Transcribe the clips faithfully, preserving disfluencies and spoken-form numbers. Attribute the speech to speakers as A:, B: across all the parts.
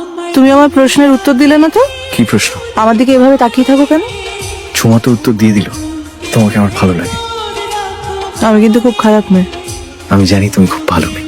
A: তুমি আমার প্রশ্নের উত্তর দিলে না তো?
B: কি প্রশ্ন?
A: আমার দিকে এভাবে তাকিয়ে থাকো কেন?
B: ঝুমা তো উত্তর দিয়ে দিল, তোমাকে আমার ভালো লাগে।
A: আমি কিন্তু খুব খারাপ মেয়ে।
B: আমি জানি তুমি খুব ভালো মেয়ে।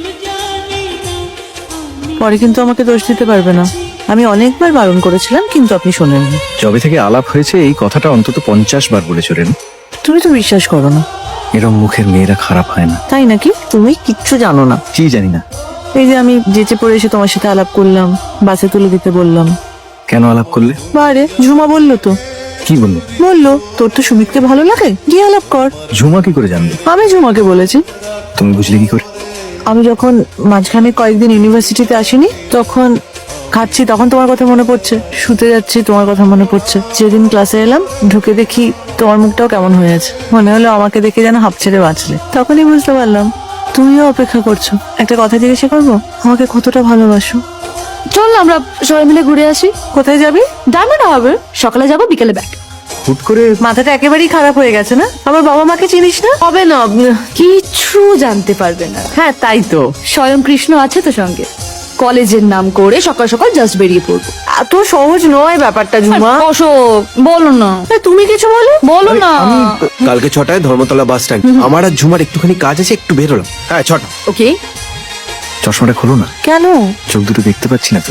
A: পরে কিন্তু আমাকে দোষ দিতে পারবে না। আমি অনেকবার বারণ করেছিলাম কিন্তু আপনি শোনেননি।
B: যবে থেকে আলাপ হয়েছে এই কথাটা অন্তত পঞ্চাশ বার বলেছিলেন।
A: তুমি তো বিশ্বাস করো না।
B: এরম মুখের মেয়েরা খারাপ হয় না।
A: তাই নাকি? তুমি কিচ্ছু জানো না।
B: কি জানি না।
A: এই যে আমি যেচে পড়ে এসে তোমার সাথে আলাপ করলাম, বাসে তুলে দিতে বললাম।
B: কেন আলাপ করলে?
A: বারে ঝুমা বললো তো।
B: কি বললো?
A: বললো তোর তো সুমিতকে ভালো লাগে, গিয়ে আলাপ কর।
B: ঝুমা কি করে জানবে?
A: আমি ঝুমাকে বলেছি।
B: তুমি বুঝলে কি করে?
A: আমি যখন মাঝখানে কয়েকদিন ইউনিভার্সিটিতে আসিনি, তখন খাচ্ছি তখন তোমার কথা মনে পড়ছে, শুতে যাচ্ছি তোমার কথা মনে পড়ছে। যেদিন ক্লাসে এলাম ঢুকে দেখি তোমার মুখটাও কেমন হয়ে আছে, মনে হলো আমাকে দেখে যেন হাঁপ ছেড়ে বাঁচলে। তখনই বুঝতে পারলাম তুমিও অপেক্ষা করছো। একটা কথা জিজ্ঞাসা করবো, আমাকে কতটা ভালোবাসো?
C: চল না আমরা সবাই মিলে ঘুরে আসি।
A: কোথায় যাবি?
C: ডায়মন্ড হবে, সকালে যাবো বিকেলে ব্যাক।
B: হুট করে
A: মাথাটা একেবারেই খারাপ হয়ে গেছে না? আমার বাবা মাকে চিনিস না?
C: হবে না, কিচ্ছু জানতে পারবে না।
A: হ্যাঁ তাই তো।
C: স্বয়ং কৃষ্ণ আছে তো সঙ্গে। কলেজের নাম করে সকাল সকাল জাস্ট বেরিয়ে পড়বো।
A: এত সহজ নয় ব্যাপারটা ঝুমা।
C: অশোক বলো না,
A: এ, তুমি কিছু বলো।
C: বলো না।
D: কালকে ছটায় ধর্মতলা বাস স্ট্যান্ড। আমার আর ঝুমার একটুখানি কাজ আছে, একটু বেরোলাম। হ্যাঁ ছটা।
C: ওকে।
B: চশমাটা খোলো না।
A: কেন?
B: চোখ দুটো দেখতে পাচ্ছি না তো।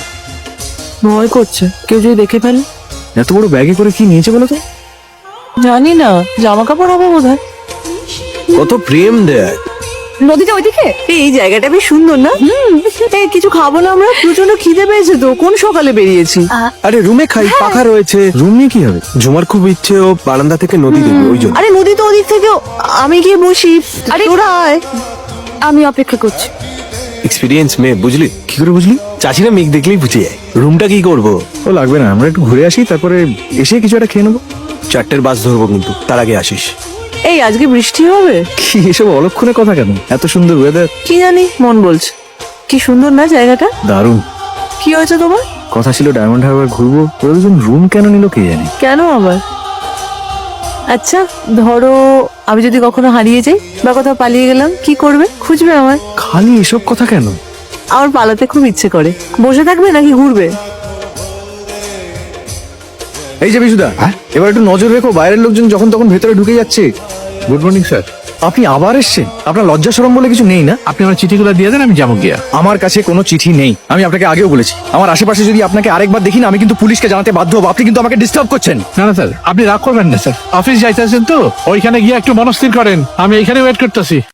A: ভয় করছে কেউ যদি দেখে ফেলে।
B: এত বড় ব্যাগে করে কি নিয়েছে বলো তো?
A: জানি না, জামা কাপড় হবে বোধ হয়।
D: কত প্রেম দেয়।
C: নদীটা ওইদিকে।
A: এই জায়গাটা বেশ সুন্দর না? এই কিছু খাবো না আমরা? প্রচন্ড খিদে পেয়েছে তো, কোন সকালে বেরিয়েছি।
D: আরে রুমে খাই, পাখা রয়েছে।
B: রুম নিয়ে কি হবে?
D: ঝুমার খুব ইচ্ছে ও বারান্দা থেকে নদী দেখবে, ওই জন্য।
A: আরে নদী তো ওদিক থেকে, আমি গিয়ে বসি।
C: আরে-
A: তোরা আয়।
C: আমি অপেক্ষা করছি।
D: এক্সপিরিয়েন্স মেয়ে, বুঝলি?
B: কি করে বুঝলি?
D: চাচিরা মেঘ দেখলেই বুঝে যায়। রুমটা কি করবো?
B: ও লাগবে না, আমরা একটু ঘুরে আসি, তারপরে এসে কিছু একটা খেয়ে নেবো।
D: চারটের বাস ধরবো কিন্তু, তার আগে আসিস।
A: এই আজকে বৃষ্টি হবে?
B: কি এসব অলক্ষণে কথা কেন? এত সুন্দর ওয়েদার।
A: কি জানি, মন বলছে। কি সুন্দর না জায়গাটা?
B: দারুণ।
A: কি হয়েছে তোমার?
B: কথা ছিল ডায়মন্ড হারবার ঘুরবো, ওরা দুজন রুম কেন নিল কে জানে।
A: কেন আবার? আচ্ছা ধরো আমি যদি কখনো হারিয়ে যাই বা কোথাও পালিয়ে গেলাম, কি করবে? খুঁজবে আমার?
B: খালি এসব কথা কেন?
A: আমার পালাতে খুব ইচ্ছে করে। বসে থাকবে নাকি ঘুরবে?
B: এই যে বিশুদা, এবার একটু নজর রেখো, বাইরের লোকজন যখন তখন ভেতরে ঢুকে যাচ্ছে।
E: Good morning sir.
B: আপনি আবার এসেছেন? আপনার লজ্জা শরম বলে কিছু নেই না?
E: আপনি আমার চিঠিগুলো দিয়ে দেন, আমি যাবো গিয়া।
B: আমার কাছে কোনো চিঠি নেই, আমি আপনাকে আগেও বলেছি। আমার আশেপাশে যদি আপনাকে আরেকবার দেখি না, আমি কিন্তু পুলিশকে জানাতে বাধ্য হবো। আপনি কিন্তু আমাকে ডিস্টার্ব করছেন।
E: না না স্যার, আপনি রাগ করবেন না স্যার। অফিস যাইতেছেন তো, ওইখানে গিয়ে একটু মনস্থির করেন, আমি এইখানে ওয়েট করতেছি।